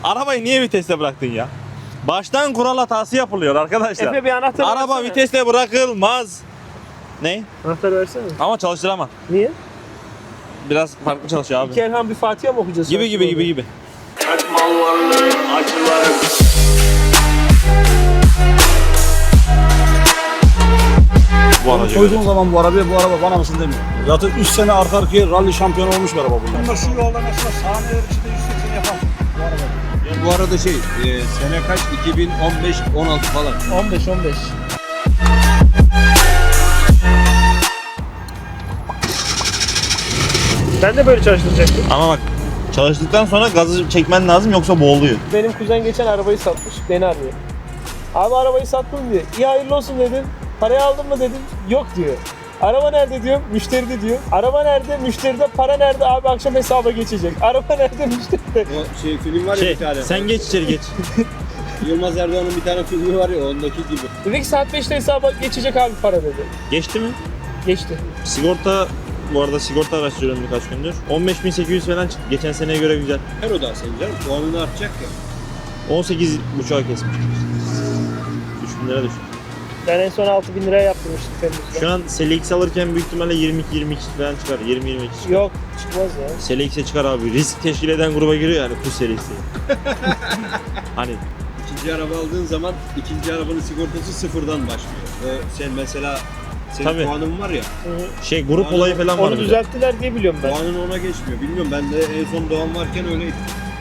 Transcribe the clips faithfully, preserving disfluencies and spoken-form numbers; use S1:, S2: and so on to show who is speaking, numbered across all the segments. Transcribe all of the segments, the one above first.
S1: Arabayı niye viteste bıraktın ya? Baştan kural hatası yapılıyor arkadaşlar.
S2: Efe bir anahtar
S1: Araba
S2: versene.
S1: viteste bırakılmaz. Ne?
S2: Anahtar versene.
S1: Ama çalıştıramam.
S2: Niye?
S1: Biraz farklı çalışıyor abi.
S2: İki Elham bir Fatiha mı okuyacağız?
S1: Gibi gibi gibi gibi.
S3: Mal varlığı acılarım.
S1: Bu araca
S4: Koyduğun
S1: göre.
S4: zaman bu arabaya bu araba bana mısın demiyor. Zaten üç sene arka arkaya rally şampiyonu olmuş bir araba bunlar.
S5: Ama şu yolda mesela saniyeler içinde yüz seksen yapar bu araba.
S6: Bu arada şey, e, sene kaç? iki bin on beş on altı falan.
S2: on beş on beş. Ben de böyle çalıştıracaktım.
S1: Ama bak çalıştıktan sonra gazı çekmen lazım yoksa boğuluyor.
S2: Benim kuzen geçen arabayı satmış. Beni arıyor. Abi arabayı sattım diyor. İyi hayırlı olsun dedim. Parayı aldın mı dedim. Yok diyor. Araba nerede diyorum. Müşteride diyor. Araba nerede? Müşteride. Para nerede? Abi akşam hesaba geçecek. Araba nerede? Müşteride.
S6: O şey film var ya
S1: Şey,
S6: bir tane.
S1: sen geç içeri geç.
S6: Yılmaz Erdoğan'ın bir tane filmi var ya ondaki gibi.
S2: Dedi ki saat beşte hesaba geçecek abi para dedi.
S1: Geçti mi?
S2: Geçti.
S1: Sigorta, bu arada sigorta araştırıyorum birkaç gündür. on beş bin sekiz yüz falan çıktı. Geçen seneye göre güzel.
S6: Her o da senin canım. Puanını artacak ya.
S1: on sekiz buçuğa kesmiş. üç bin lira düştü.
S2: Ben en son altı bin liraya yaptırmıştım Temmuz'da.
S1: Şu an Selix alırken büyük ihtimalle yirmi iki yirmi iki falan çıkar. yirmi yirmi iki çıkar.
S2: Yok çıkmaz ya.
S1: Selix'e çıkar abi. Risk teşkil eden gruba giriyor yani kuş serisi. Hani
S6: İkinci araba aldığın zaman ikinci arabanın sigortası sıfırdan başlıyor. O sen mesela senin
S1: Tabii.
S6: puanın var ya.
S2: Hı-hı.
S1: şey grup
S6: Onu-
S1: olayı falan var.
S2: Onu
S1: bir de.
S2: düzelttiler diye biliyorum ben.
S6: Puanın ona geçmiyor. Bilmiyorum ben de en son Doğan varken öyleydi.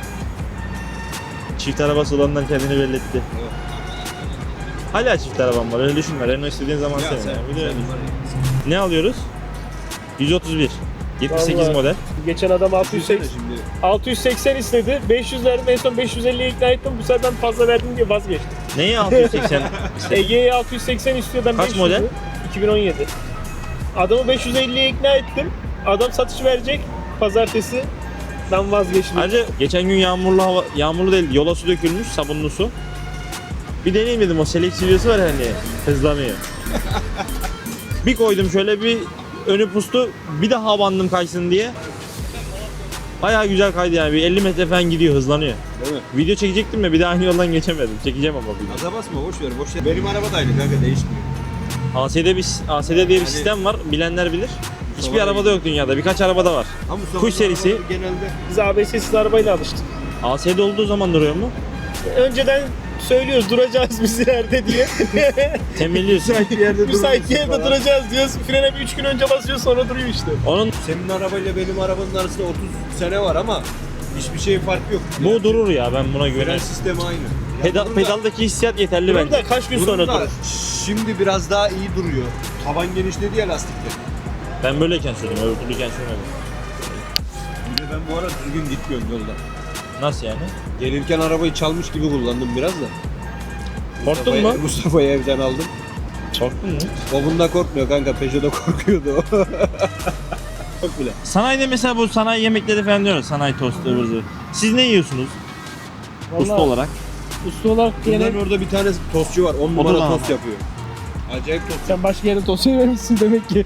S1: Çift arabası olandan kendini belli etti.
S6: Evet.
S1: Hala çift arabam var öyle düşünme. Renault istediğin zaman
S6: Ya
S1: senin.
S6: sen,
S1: yani. Bir de
S6: sen
S1: öyle düşün.
S6: var ya.
S1: Ne alıyoruz? yüz otuz bir. yetmiş sekiz
S2: Vallahi.
S1: model.
S2: Geçen adam altı yüz seksen,
S6: Şimdi
S2: altı yüz seksen istedi. beş yüz verdim. En son beş yüz elliye ikna ettim. Bu sefer ben fazla verdim diye vazgeçtim.
S1: Neyi altı yüz seksen? işte?
S2: Ege'ye altı yüz seksen istiyor. Ben
S1: Kaç
S2: beş yüz
S1: model?
S2: iki bin on yedi. Adamı beş yüz elliye ikna ettim. Adam satış verecek pazartesi. Ben vazgeçtim.
S1: Ayrıca geçen gün yağmurlu hava, yağmurlu değil yola su dökülmüş sabunlu su. Bir deneyim dedim o Select videosu var ya hani hızlanıyor. Bir koydum şöyle bir önü pustu bir daha bandım kaysın diye. Bayağı güzel kaydı yani bir elli metre falan gidiyor hızlanıyor.
S6: değil mi?
S1: Video çekecektim de bir daha aynı yoldan geçemedim. Çekeceğim ama bir
S6: Gaza basma boş ver boş ver. Benim araba da aynı kanka değişmiyor.
S1: A S D bir A S D diye bir
S6: Yani-
S1: sistem var. Bilenler bilir. Hiçbir
S6: Mustafa
S1: arabada yok dünyada. Birkaç arabada var.
S6: Ama Mustafa
S1: Kuş serisi.
S6: arabaları genelde
S2: Biz A B S'siz arabayla alıştık.
S1: A S D olduğu zaman duruyor mu?
S2: Önceden söylüyoruz duracağız biz ileride diye.
S1: Temelliyorsun.
S6: bir yerde
S2: Müsait
S6: durmuyorsun
S2: yerde
S6: falan.
S2: duracağız diyoruz. Frene bir üç gün önce basıyor sonra duruyor işte.
S1: Onun
S6: Senin arabayla benim arabanın arasında otuz sene var ama hiçbir şeyin farkı yok.
S1: bu durur ya ben buna
S6: Fren
S1: güvenirim.
S6: sistemi aynı. Ya
S1: Pedal,
S6: bunun da-
S1: pedaldaki hissiyat yeterli
S2: Durur
S1: bence.
S2: da kaç gün
S6: bunun
S2: sonra
S6: da
S2: durur.
S6: Şimdi biraz daha iyi duruyor. Taban genişledi ya lastikler.
S1: Ben böyleyken sürdüm, öbür türlüyken sürmedim.
S6: Bir de ben bu ara düzgün gitmiyorum yolda.
S1: Nasıl yani?
S6: Gelirken arabayı çalmış gibi kullandım biraz da.
S1: Korktun
S6: Mustafa'yı-
S1: mu?
S6: Mustafa'yı evden aldım.
S1: Korktun mu?
S6: O bunda korkmuyor kanka. Peugeot'da korkuyordu o. Çok bile.
S1: Sanayide mesela bu sanayi yemekleri falan diyoruz. Sanayi tostu, ıvır zıvır. Siz ne yiyorsunuz usta
S2: Vallahi
S1: olarak?
S2: Usta olarak
S6: Bunların
S2: yine
S6: orada bir tane tostçu var. on
S1: da
S6: numara
S1: lan.
S6: tost yapıyor. Acayip tost.
S2: sen başka yere tosya vermişsin demek ki.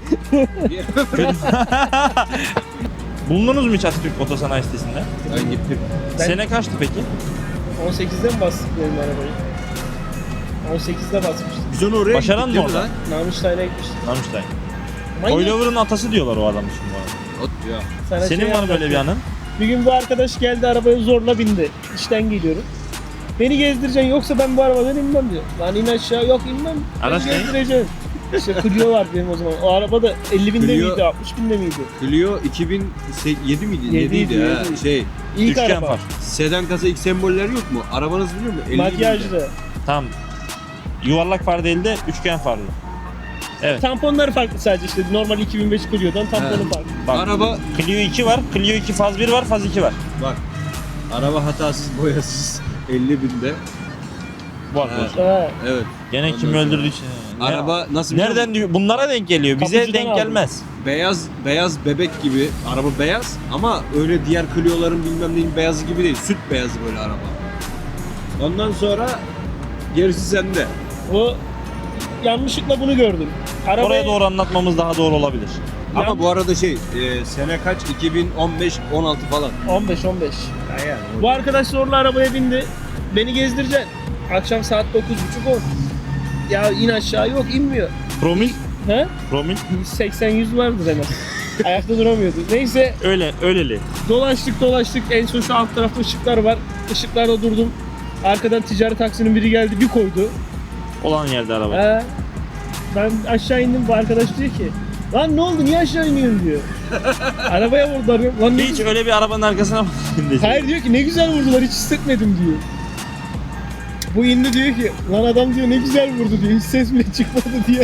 S1: Bulundunuz mu hiç Atatürk Otosanayi sitesinde?
S6: Ben gittim.
S2: Ben-
S1: Sene kaçtı peki?
S2: on sekizde mi bastık benim arabayı? on sekizde basmıştım.
S6: Biz onu oraya
S1: Başaran
S6: gittik
S1: mı
S6: değil mi
S1: orada?
S6: lan?
S2: Namıştay'la gitmiştim.
S1: Namıştay.
S2: Manyak.
S1: Oylover'ın atası diyorlar o adam şimdi bu arada.
S6: Ot ya.
S2: Sana
S1: Senin
S2: şey
S1: var mı böyle bir
S2: anlatayım.
S1: anın?
S2: Bir gün bu arkadaş geldi arabaya zorla bindi. İşten geliyorum. Beni gezdireceksin yoksa ben bu arabadan inmem diyor. Lan in aşağı yok inmem.
S1: Araç
S2: Beni
S1: ne?
S2: gezdireceksin. İşte Clio var benim o zaman. O araba da elli binde
S6: Clio-
S2: miydi altmış binde miydi?
S6: Clio iki bin yedi miydi?
S2: Yedi
S6: yediydi
S2: yedi,
S6: ha.
S2: yedi.
S6: Şey,
S2: İlk
S1: Üçgen
S2: araba.
S1: far.
S6: sedan kasa ilk semboller yok mu? Arabanız biliyor mu? elli binde.
S2: Makyajlı.
S1: Tamam. Yuvarlak far değil de üçgen farlı. Evet.
S2: Tamponları farklı sadece işte. Normal iki bin beş Clio'dan tamponu
S6: He.
S2: farklı.
S1: Bak,
S6: Araba
S1: Clio iki var. Clio iki faz bir var, faz iki var.
S6: bak. Araba hatasız, boyasız elli binde.
S1: Bu
S6: He.
S1: arkadaşlar.
S2: He.
S6: Evet.
S1: Gene
S6: Ondan
S1: kim
S6: sonra-
S1: öldürdü için. Ne-
S6: Araba nasıl biliyor
S1: Nereden
S6: musun?
S1: diyor? Bunlara denk geliyor. Bize
S2: Kapıcıdan
S1: denk
S2: aldım.
S1: gelmez.
S6: Beyaz beyaz bebek gibi. Araba beyaz ama öyle diğer Clio'ların bilmem neyin beyazı gibi değil. Süt beyazı böyle araba. Ondan sonra gerisi sende.
S2: O yanlışlıkla bunu gördüm. Arabayı,
S1: Oraya doğru anlatmamız daha doğru olabilir.
S6: Ama
S2: Yan-
S6: bu arada şey, e, sene kaç? iki bin on beş on altı falan.
S2: on beş on beş.
S6: Ya yani
S2: Bu arkadaş zorla arabaya bindi. Beni gezdireceksin. Akşam saat dokuz buçuk on. Ya in aşağı, yok inmiyor.
S1: Promil?
S2: He?
S1: Promil?
S2: seksen yüz vardır hemen. Ayakta duramıyordu. Neyse
S1: Öyle, öyleli.
S2: dolaştık dolaştık. En son şu alt tarafta ışıklar var. Işıklarda durdum. Arkadan ticari taksinin biri geldi bir koydu.
S1: Olan yerde araba.
S2: He. Ben aşağı indim, bu arkadaş diyor ki lan ne oldu, niye aşağı iniyorsun diyor. Arabaya vurdular. Lan ne
S1: Hiç
S2: güzel-
S1: öyle bir arabanın arkasına bakmadın.
S2: Hayır diyor ki ne güzel vurdular, hiç hissetmedim diyor. Bu indi diyor ki lan adam diyor ne güzel vurdu diyor, hiç ses bile çıkmadı diyor.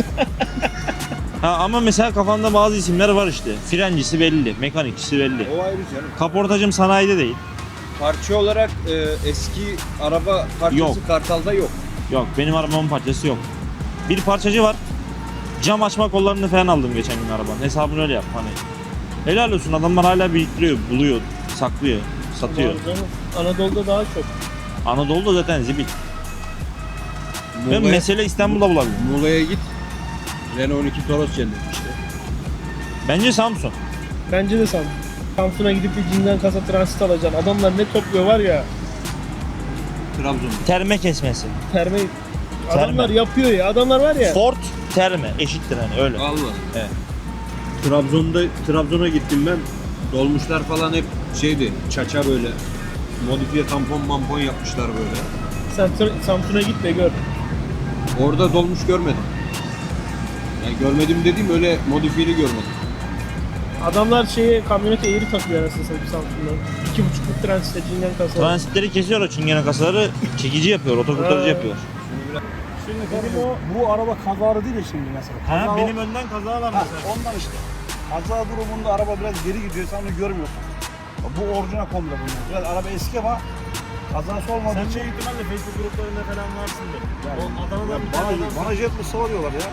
S1: Ha ama mesela kafamda bazı isimler var işte. Frencisi belli, mekanikçisi belli.
S6: O ayrı canım.
S1: Kaportacım sanayide değil.
S6: Parça olarak e, eski araba parçası
S1: Yok.
S6: Kartal'da yok.
S1: Yok, benim arabamın parçası yok. Bir parçacı var. Cam açma kollarını falan aldım geçen gün arabanın. Hesabını öyle yap hani. Helal olsun, adamlar hala biriktiriyor, buluyor, saklıyor, satıyor.
S2: Doğru canım. Anadolu'da daha çok.
S1: Anadolu'da zaten zibil. Ben
S6: Muğla'ya,
S1: mesele İstanbul'da bulabilirim.
S6: Muğla'ya git. Renault on iki Toros cennet işte.
S1: Bence Samsun.
S2: Bence de Samsun. Samsun'a gidip bir cinden kasa transit alacaksın. Adamlar ne topluyor var ya.
S6: Trabzon'da.
S1: Terme kesmesi.
S2: Terme.
S1: Terme.
S2: Adamlar yapıyor ya. Adamlar var ya.
S1: Ford terme eşittir hani öyle.
S6: Allah.
S1: Evet.
S6: Trabzon'da Trabzon'a gittim ben. Dolmuşlar falan hep şeydi. Çaça böyle. Modifiye tampon mampon yapmışlar böyle.
S2: Sen Tr- Samsun'a git de gör.
S6: Orada dolmuş görmedim. Yani görmedim dediğim öyle modifiyeli görmedim.
S2: Adamlar şeye kamyonete eğri takıyor anasını satayım Samsun'da. İki buçukluk transitte cinden kasa.
S1: Transitleri kesiyor, o çingene kasaları çekici yapıyor, otokurtarıcı
S2: Ha.
S1: yapıyor.
S5: Şimdi kardeşim bu araba kazalı değil ya şimdi mesela. Kaza o-
S1: önden kaza var
S5: Ha, ondan işte. Kaza durumunda araba biraz geri gidiyor, sen onu görmüyorsun. Bu orijinal komple bunlar. Biraz araba eski ama kazası olmadığı için...
S1: ihtimalle Facebook gruplarında falan varsın de.
S5: Yani, ya bana, bana jet mi diyorlar ya.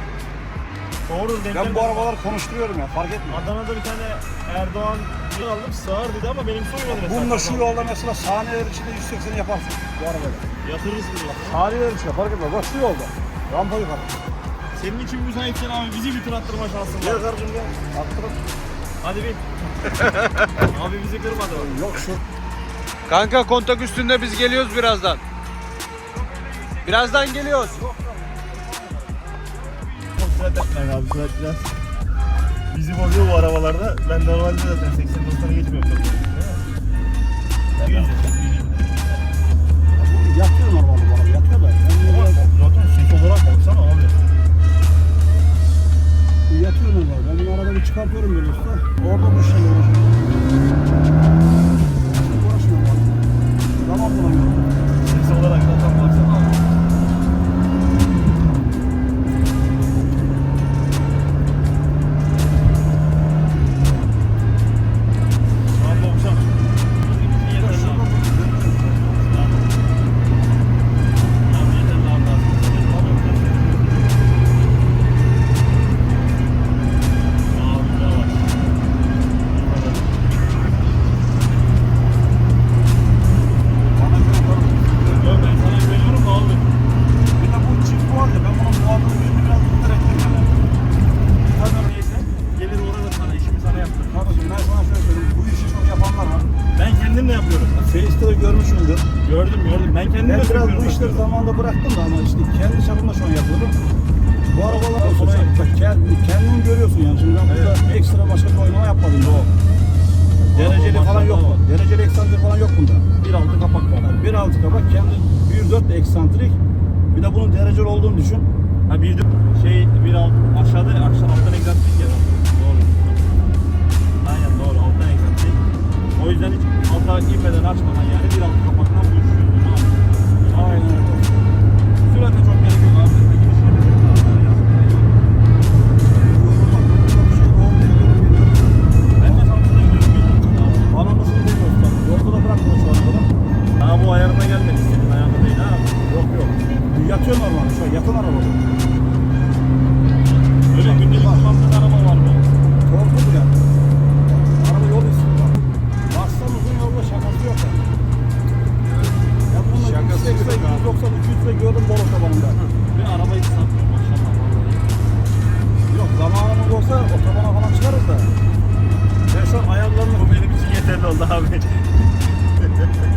S1: Doğru
S5: Ben bu arabaları konuşturuyorum ya, fark etmiyor.
S1: Adana'da bir tane Erdoğan bir aldım, sağır dedi ama benim soymadı mesela.
S5: Bununla şu yolda mesela saniyeler içinde yüz seksen yaparsın bu arabayla.
S1: Yatırırsın diyor.
S5: Saniyeler içinde fark etmez. Bak şu yolda. Rampa yukarı.
S1: Senin için müsaitken abi bizi bir tur attırma şansın
S5: Gel
S1: var.
S5: kardeşim gel. Attırın.
S1: Hadi bir. Abi bizi kırmadı.
S5: Yok şu.
S6: Kanka kontak üstünde biz geliyoruz birazdan. Birazdan geliyoruz.
S1: Çok sürat etmeyin abi, sürat biraz. Bizi bozuyor bu arabalarda. Ben normalde zaten seksen doksana geçmiyorum çok.
S5: Yatıyor normalde bu araba. Yatıyor da. Yani
S1: Zaten ses olarak baksana abi.
S5: yatıyor normalde. Ben bu arabayı çıkartıyorum böyle usta. Orada bu şeyle uğraşıyorum. Uğraşmıyorum abi. Zaman bulamıyorum.
S1: Ses olarak zaten baksana abi. Şu an doksan.
S5: Bana göre karım.
S1: Ben sana güveniyorum da abi.
S5: Bir de bu çift bu halde. Ben bunun muhabbetini yüzünü biraz tutarak yapıyorum.
S1: Tabii neyse. Gelir uğrarım sana, işimi sana yaptırırım.
S5: Kardeşim ben sana şöyle söyleyeyim. Bu işi çok yapanlar var.
S1: Ben kendim de yapıyorum.
S5: Face'te de görmüşsündür.
S1: Gördüm gördüm. Ben kendim
S5: Ben
S1: de
S5: biraz
S1: yapıyorum.
S5: bu işleri zamanında bıraktım da ama işte kendi çapımda şu an yapıyorum. Bu arabalar
S1: Olsun,
S5: sonra
S1: sen-
S5: bak kendini, kendini görüyorsun yani. Şimdi ben burada ekstra başka bir oynama yapmadım bu. Dereceli
S1: Araba
S5: falan yok
S1: maşallah
S5: mu? Dereceli eksantrik falan yok bunda.
S1: Bir altı kapak var.
S5: bir altı kapak kendi bir dört de eksantrik. Bir de bunun dereceli olduğunu düşün.
S1: Ha bir de şey bir alt aşağıda aşağı alttan egzantrik ya. Doğru. Aynen doğru, alttan egzantrik. O yüzden hiç alta inmeden açmadan yani bir altı kapaktan bu işi çözüyorum abi.
S5: Aynen öyle.
S1: Sürate çok gerek yok abi. Zaten girişine bir tek daha yazmıyor.
S5: Bak, burada bir şey doğru değil, yorum geliyor.
S1: Ben de Samsun'a gidiyorum geliyorum.
S5: Bana nasıl demiyoruz tabii. Yolda da bırakmıyor şu ana kadar.
S1: Daha bu ayarına gelmedi, senin ayarına değil ha.
S5: Yok yok. Yatıyor normalde şu an. Yakın araba bu.
S1: Öyle gündelik kullandığın araba var mı?
S5: Korktu ya. Araba yol istiyor. Bak. Baksan uzun yolda şakası yok yani. Ya bununla
S6: Şakası
S5: yüz seksen,
S6: yok abi.
S5: yüz doksan, iki yüzde gördüm bol otobanında.
S1: Bir arabayı satmıyor maşallah vallahi.
S5: Yok zamanımız olsa otobana falan çıkarız da. Ben şu an ayarlarını
S1: Bu benim için yeterli oldu abi.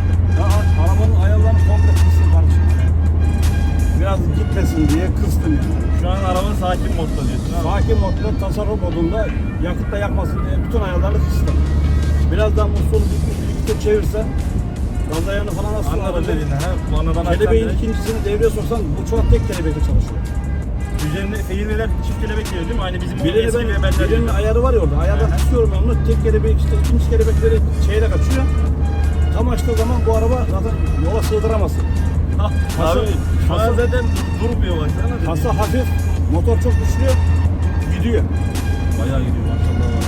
S5: tasarruf modunda yakıtla yakmasın diye bütün ayarlarını kısıtlı. Biraz daha musluğunu bir iki çevirse gaz ayarını falan nasıl
S1: Anladım dediğini ha. Bu anadan
S5: Kelebeğin
S1: açtan
S5: ikincisini devreye soksan bu çuval tek kelebekle çalışıyor.
S1: üzerinde feyirliler çift kelebek geliyor değil mi? Aynı bizim o
S5: Birinin,
S1: eski
S5: ben,
S1: Weber'ler
S5: birinin
S1: gibi.
S5: ayarı var ya orada. Ayardan
S1: Aha.
S5: tutuyorum ben onu. Tek kelebek işte ikinci kelebekleri şeyle kaçıyor. Tam açtığı zaman bu araba zaten yola sığdıramazsın. Kasa,
S1: Abi şu an
S5: kasa,
S1: zaten durmuyor baksana.
S5: kasa hafif, motor çok güçlü, gidiyor.
S1: Bayağı gidiyor maşallah var.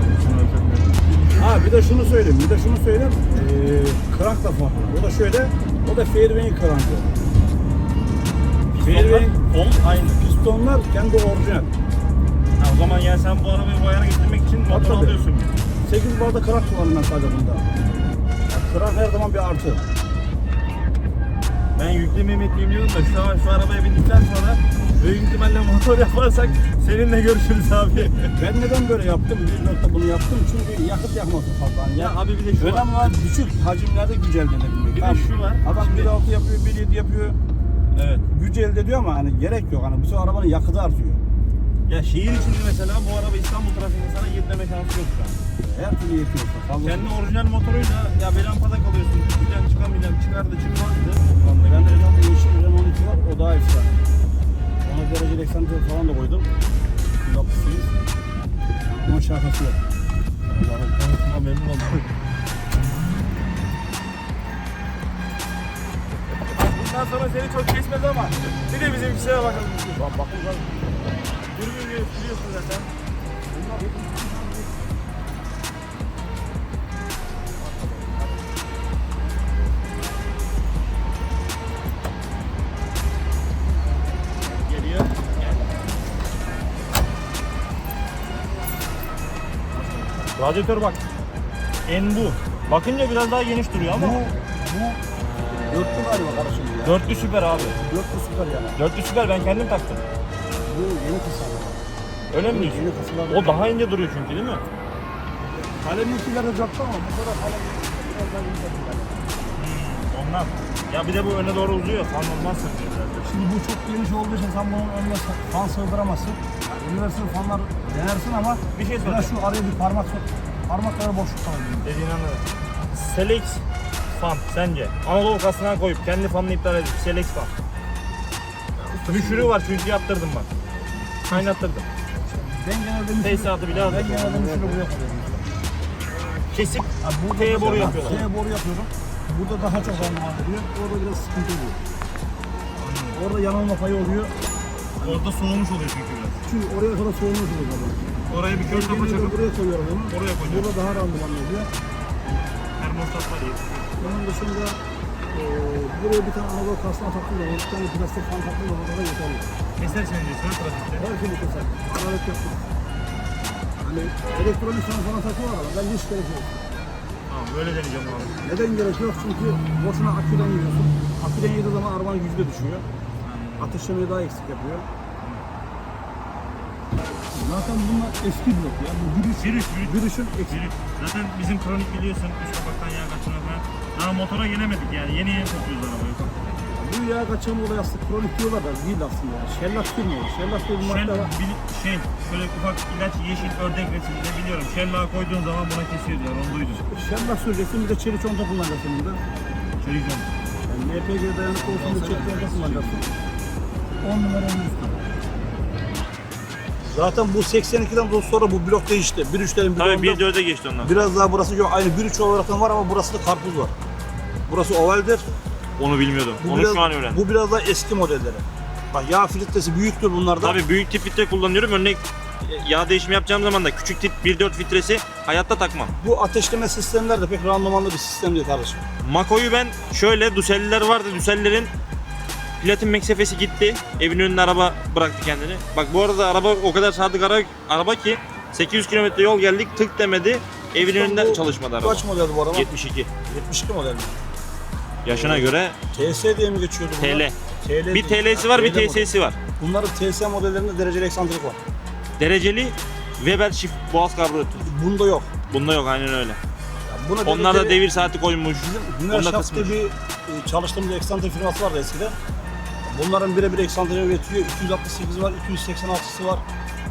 S5: Ha bir de şunu söyleyeyim, bir de şunu söyleyeyim. Ee, krank da farklı. O da şöyle, o da Fairway'in krankı. Fairway'in
S1: Kol aynı.
S5: pistonlar kendi orijinal.
S1: Ha, o zaman yani sen bu arabayı bu ayara getirmek için motor
S5: tabii.
S1: alıyorsun.
S5: sekiz barda krank kullandım ben sadece bunda. Yani krank her zaman bir artı.
S1: Ben yükleme emekliyim diyordum da şu an şu arabaya bindikten sonra büyük ihtimalle motor yaparsak seninle görüşürüz abi.
S5: Ben neden böyle yaptım? Bir nokta bunu yaptım çünkü yakıt yakması fazla.
S1: Ya abi bir de şu var.
S5: önemli olan düşük hacimlerde güç elde edebilmek.
S1: Bir de
S5: Tamam.
S1: şu var.
S5: Adam
S1: Şimdi-
S5: bir altı yapıyor, bir yedi yapıyor.
S1: Evet.
S5: Güç elde ediyor ama hani gerek yok. Hani bütün arabanın yakıtı artıyor.
S1: Ya şehir içinde mesela bu araba İstanbul trafiğinde sana yetleme şansı yok şu an.
S5: Her türlü yetiyorsa. Fazla
S1: Kendi orijinal motoruyla ya bir lampada kalıyorsun. Çıkacaksın çıkamayacaksın. Çıkardı çıkmazdı.
S5: Ben de Renault yeşil Renault on iki var. O daha efsane. Ona dereceli eksantrik falan da koydum. yüz altmış sekiz. Onun şarkısı yok.
S1: Allah'ım tanıtıma memnun oldum. Bundan sonra seni çok kesmez ama bir de bizimkisine bakalım.
S5: Bak bakın lan.
S1: Dürbün biliyorsun zaten. Geliyor. Gel. Radyatör bak. En bu. Bakınca biraz daha geniş duruyor
S5: Bu,
S1: ama
S5: bu dörtlü galiba kardeşim ya.
S1: dörtlü süper abi.
S5: Dörtlü süper yani.
S1: Dörtlü süper ben kendim taktım.
S5: Bu yeni tasarım.
S1: Öyle mi diyorsun?
S5: Yeni tasarım.
S1: O daha ince duruyor çünkü değil mi?
S5: Kalemlikiler de dörtlü ama bu kadar kalem biraz daha yumuşak.
S1: Ondan. Ya bir de bu öne doğru uzuyor. Fan olmazsın diyor biraz.
S5: Şimdi bu çok geniş olduğu için sen bunun önüne fan sığdıramazsın. Universal fanlar denersin ama
S1: Bir şey
S5: biraz
S1: soracağım.
S5: şu araya bir parmak sok. Parmaklara boşluk kalıyor.
S1: Dediğini anladım. Selex fan sence? Anadolu kasına koyup kendi fanını iptal edip Selex fan. Müşürü var çünkü yaptırdım bak. Kaynattırdım.
S5: Ben genelde müşürü,
S1: Tesisatı bile
S5: ben
S1: aldım.
S5: genelde müşürü buraya koyuyorum.
S1: Kesip
S5: Burada
S1: T'ye boru
S5: mesela
S1: yapıyorlar.
S5: T'ye boru yapıyorum. Burada daha çok randıman veriyor. Orada biraz sıkıntı oluyor. Orada yanılma payı oluyor.
S1: Orada soğumuş oluyor çünkü biraz.
S5: Çünkü oraya kadar soğumuş oluyor zaten.
S1: Oraya bir kör
S5: Ben
S1: kafa
S5: genelde
S1: çakıp
S5: buraya koyuyorum onu.
S1: oraya koyacağım.
S5: Burada daha randıman oluyor.
S1: termostat var ya.
S5: Onun dışında e, buraya bir tane Anadolu kasına taktığım zaman, bir tane plastik fan taktığım zaman da yeterli.
S1: Keser seni diyorsun ha trafikte.
S5: Her şeyi keser. Hararet yaptım. Hani elektronik fan falan takıyorlar ama ben hiç gerek yok.
S1: Tamam böyle deneyeceğim abi.
S5: Neden gerek yok? Çünkü boşuna aküden yiyorsun. Aküden yediği zaman arabanın gücü de düşüyor. Ateşlemeyi daha eksik yapıyor. Zaten bunlar eski blok ya. Bu giriş,
S1: Virüs, virüs.
S5: girişin eksik.
S1: Virüs. Zaten bizim kronik biliyorsun üst kapaktan yağ kaçırma falan. Daha motora gelemedik yani yeni yeni sokuyoruz arabayı.
S5: Bu yağ kaçırma olayı aslında kronik diyorlar da değil aslında ya. Şellak firma. Şellak diye bir
S1: Şel,
S5: madde var.
S1: bil- şey, şöyle ufak ilaç yeşil ördek resiminde biliyorum. Şellağı koyduğun zaman buna kesiyor diyor, onu duydum.
S5: Şellak süreceksin, bir de çelik conta kullanacaksın bunda.
S1: Çelik jant.
S5: Yani L P G dayanıklı olsun diye çelik conta kullanacaksın. on numara en üstü. Zaten bu seksen ikiden sonra bu blok değişti. bir üçlerin
S1: Tabii bir dörde geçti ondan.
S5: biraz daha burası yok. Aynı bir üç olarak var ama burası da karpuz var. Burası ovaldir.
S1: Onu bilmiyordum.
S5: Bu
S1: Onu
S5: biraz,
S1: şu an öğrendim.
S5: bu biraz daha eski modelleri. Bak yağ filtresi büyüktür bunlarda.
S1: Tabii büyük tip filtre kullanıyorum. Örnek yağ değişimi yapacağım zaman da küçük tip bir dört filtresi hayatta takmam.
S5: Bu ateşleme sistemler de pek randımanlı bir sistem değil kardeşim.
S1: Mako'yu ben şöyle Duselliler vardı. Dusellilerin platin meksefesi gitti. Evin önüne araba bıraktı kendini. Bak bu arada araba o kadar sadık ara, araba ki sekiz yüz kilometre yol geldik tık demedi. Evin önünde
S5: Bu
S1: çalışmadı araba.
S5: Kaç model bu araba?
S1: yetmiş iki.
S5: yetmiş iki model mi?
S1: Yaşına göre
S5: T S diye mi geçiyordu bunlar?
S1: T L.
S5: T L
S1: Bir T L'si var, bir T S'si var.
S5: Bunların T S modellerinde dereceli eksantrik var.
S1: Dereceli Weber çift boğaz karbüratör.
S5: Bunda yok.
S1: Bunda yok aynen öyle.
S5: Yani buna
S1: Onlar da
S5: dereceli-
S1: devir saati koymuş.
S5: Bizim
S1: Onda
S5: Hünerşaft diye
S1: kısmış.
S5: bir e, çalıştığımız eksantrik firması vardı eskiden. Bunların birebir eksantriği üretiyor. iki yüz altmış sekiz var, iki yüz seksen altısı var.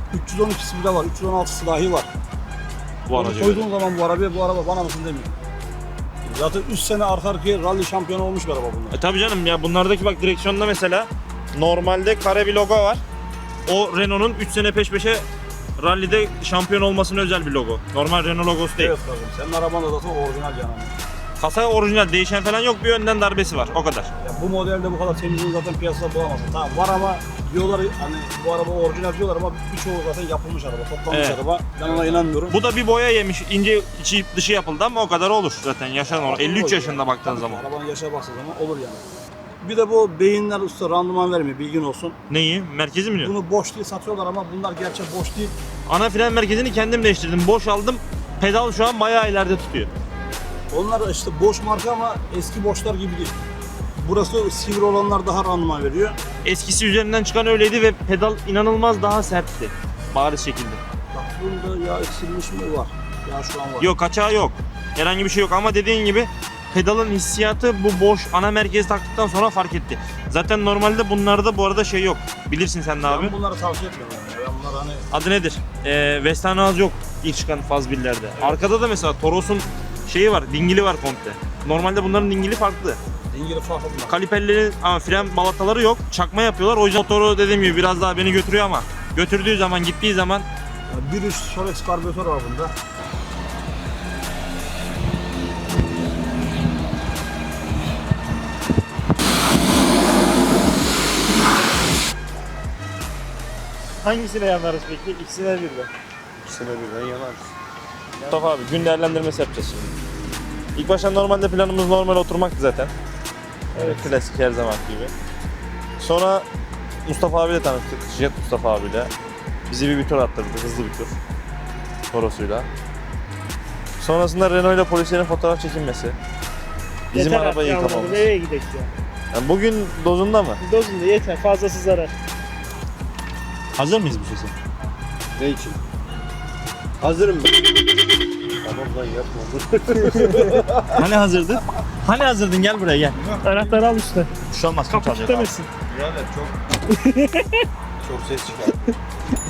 S5: üç yüz on ikisi bile var, üç yüz on altısı dahi var.
S1: Bu
S5: Onu
S1: aracı
S5: koyduğun zaman bu arabaya, bu araba bana mısın demiyor. Zaten üç sene arka arkaya rally şampiyonu olmuş bir araba bunlar.
S1: E tabii canım ya, bunlardaki bak direksiyonda mesela normalde kare bir logo var. O Renault'un üç sene peş peşe rallide şampiyon olmasına özel bir logo. Normal Renault logosu değil.
S5: Evet kardeşim, senin araban da zaten orijinal yani.
S1: Kasa orijinal, değişen falan yok, bir önden darbesi var, o kadar.
S5: Ya bu modelde bu kadar temizliğini zaten piyasada bulamazsın. Tamam var ama diyorlar hani bu araba orijinal diyorlar ama birçoğu zaten yapılmış araba, toplanmış
S1: Evet.
S5: araba. Ben ona inanmıyorum.
S1: Bu da bir boya yemiş, ince içi dışı yapıldı ama o kadar olur zaten, yaşan olur. elli üç yaşında baktığın
S5: Tabii ki,
S1: zaman.
S5: arabanın yaşa baktığın zaman olur yani. Bir de bu beyinler usta randıman vermiyor, bilgin olsun.
S1: Neyi? Merkezi mi diyor?
S5: Bunu boş diye satıyorlar ama bunlar gerçek boş değil.
S1: Ana fren merkezini kendim değiştirdim, boş aldım. Pedal şu an bayağı ileride tutuyor.
S5: Onlar işte boş marka ama eski boşlar gibi değil. Burası sivri olanlar daha randıman veriyor.
S1: Eskisi üzerinden çıkan öyleydi ve pedal inanılmaz daha sertti. Bariz şekilde.
S5: Bak bunda yağ eksilmiş mi var? Yağ şu an var.
S1: Yok, kaçağı yok. Herhangi bir şey yok ama dediğin gibi pedalın hissiyatı bu boş ana merkezi taktıktan sonra fark etti. Zaten normalde bunlarda bu arada şey yok. Bilirsin sen de abi.
S5: Ben bunları tavsiye etmiyorum yani. Ben bunlar hani
S1: Adı nedir? Ee, Western yok ilk çıkan faz birlerde. Arkada da mesela Toros'un şeyi var, dingili var komple. Normalde bunların dingili farklı.
S5: dingili farklı bunlar.
S1: Kaliperlerin ama fren balataları yok. Çakma yapıyorlar. O yüzden motoru dediğim gibi biraz daha beni götürüyor ama götürdüğü zaman, gittiği zaman
S5: bir üst Solex karbüratör var bunda.
S2: Hangisine yanarız peki? İkisine birden.
S5: İkisine birden yanar.
S1: Mustafa abi gün değerlendirmesi yapacağız şimdi. İlk başta normalde planımız normal oturmaktı zaten. Evet. Klasik her zaman gibi. Sonra Mustafa abiyle tanıştık. Jet Mustafa abiyle. Bizi bir, bir tur attırdı, hızlı bir tur. Toros'uyla. Sonrasında Renault ile polislerin fotoğraf çekinmesi. Bizim
S2: Yeter
S1: arabayı
S2: artık
S1: yıkamamız.
S2: Nereye gidelim ya?
S1: Yani bugün dozunda mı?
S2: Dozunda yeter. Fazlası zarar.
S1: Hazır mıyız bu sesi?
S6: Ne için? Hazırım ben.
S5: Tamam lan yapma.
S1: Hani hazırdı? Hani hazırdın, gel buraya gel.
S2: Anahtarı al üstte.
S1: Bir şey olmaz, kim
S2: Kapı
S1: çalacak abi?
S2: kilitlemesin.
S6: Birader çok çok ses çıkar.